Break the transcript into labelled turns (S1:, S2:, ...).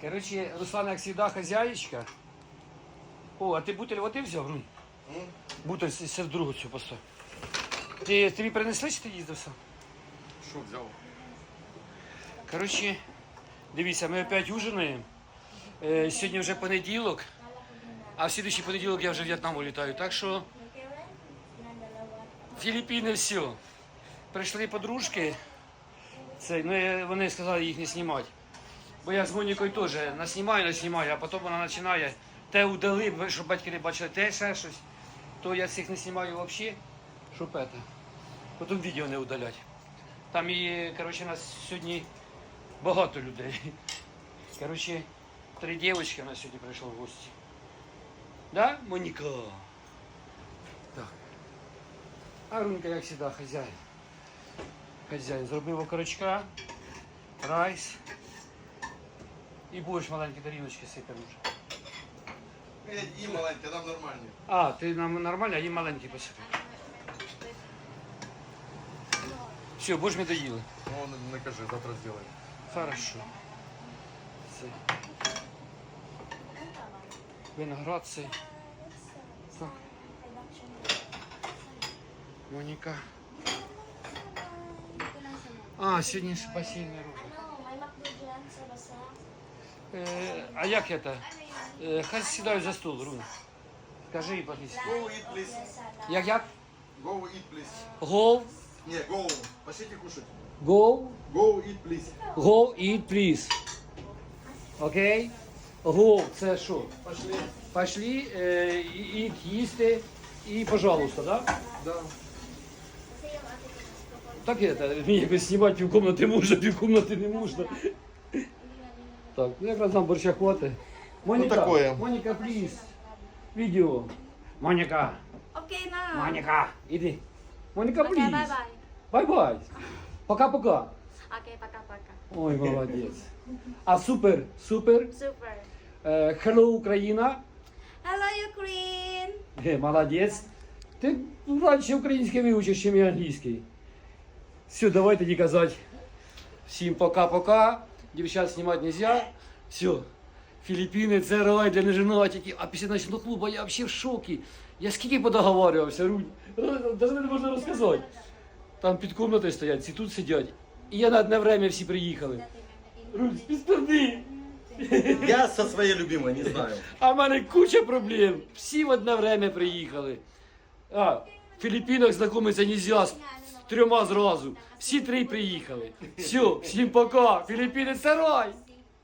S1: Короче, Руслан, як завжди, хазяєчка. О, а ти бутиль води взяв, Рунь? Бутиль серед другу цю постав. Тобі принесли, чи ти їздив сам?
S2: Що взяв?
S1: Короче, дивіться, ми опять ужинаємо. Сьогодні вже понеділок, а в слідуючий понеділок я вже в В'єтнам улітаю. Так що Філіппіни все. Прийшли подружки, вони сказали їх не знімати. Бо я з Монікою теж наснімаю, а потім вона починає те удали, щоб батьки не бачили, те ще щось. То я цих не знімаю взагалі, щоб це. Потім відео не удалять. Там і, коротше, нас сьогодні багато людей. Коротше, 3 дівчинки у нас сьогодні прийшло в гості. Да, Моніка? Так. А Рунька, як завжди, хазяїн. Хазяїн. Зробив окорочка, райс. І будеш маленькі тарілочки сипемо вже.
S2: І маленькі, нам нормальні.
S1: А, ти нам нормально, а їм маленькі посипемо. Все, будеш ми доїли.
S2: Ну, не кажи, завтра зробимо.
S1: Хорошо. Це. Виноград цей. Так. Моніка. А, сьогодні ж басейний рух.
S3: May McDo dyan sa basa.
S1: А як это? Хай сідають за стол, Рун. Скажи, Патріс.
S2: Go eat, please.
S1: Як?
S2: Go eat, please.
S1: Go,
S2: Не, go. Пошлите кушать.
S1: go,
S2: Go eat, please.
S1: go, eat, please. Окей? Go, це що?
S2: Пошли.
S1: Пошли, eat, їсти і, пожалуйста, да?
S2: Да.
S1: Так это, мені якось знімати півкомнати можна, півкомнати не можна. Так, ну якраз нам борща хватить. Моніка,
S2: такое.
S1: Моніка, пліз. Відео. Моніка,
S3: Okay na.
S1: Моніка, іди. Моніка,
S3: Okay,
S1: пліз.
S3: bye-bye.
S1: Бай-бай. Пока-пока.
S3: Okay, paka-paka.
S1: Ой, молодець. А супер, супер.
S3: Super.
S1: Hello, Україна.
S3: Hello, Ukraine.
S1: Молодець. Ти раніше український вивчиш, ніж англійський. Все, давай тоді казати. Всім пока-пока. Дівчат знімати нельзя. Все. Філіппіни це рай для неженатиків. А після ночного клубу я взагалі в шокі. Я скільки подоговарювався, Рунь. Навіть не можна розказати. Там під кімнатою стоять, ці тут сидять. І я на одне время всі приїхали. Рунь, співставди.
S2: Я со своей любимой, не знаю.
S1: А в мене куча проблем. Всі в одне время приїхали. А, в Філіппінах знайомитися нельзя з 3 зразу. Всі 3 приїхали. Все, всім пока. Філіппіни це рай.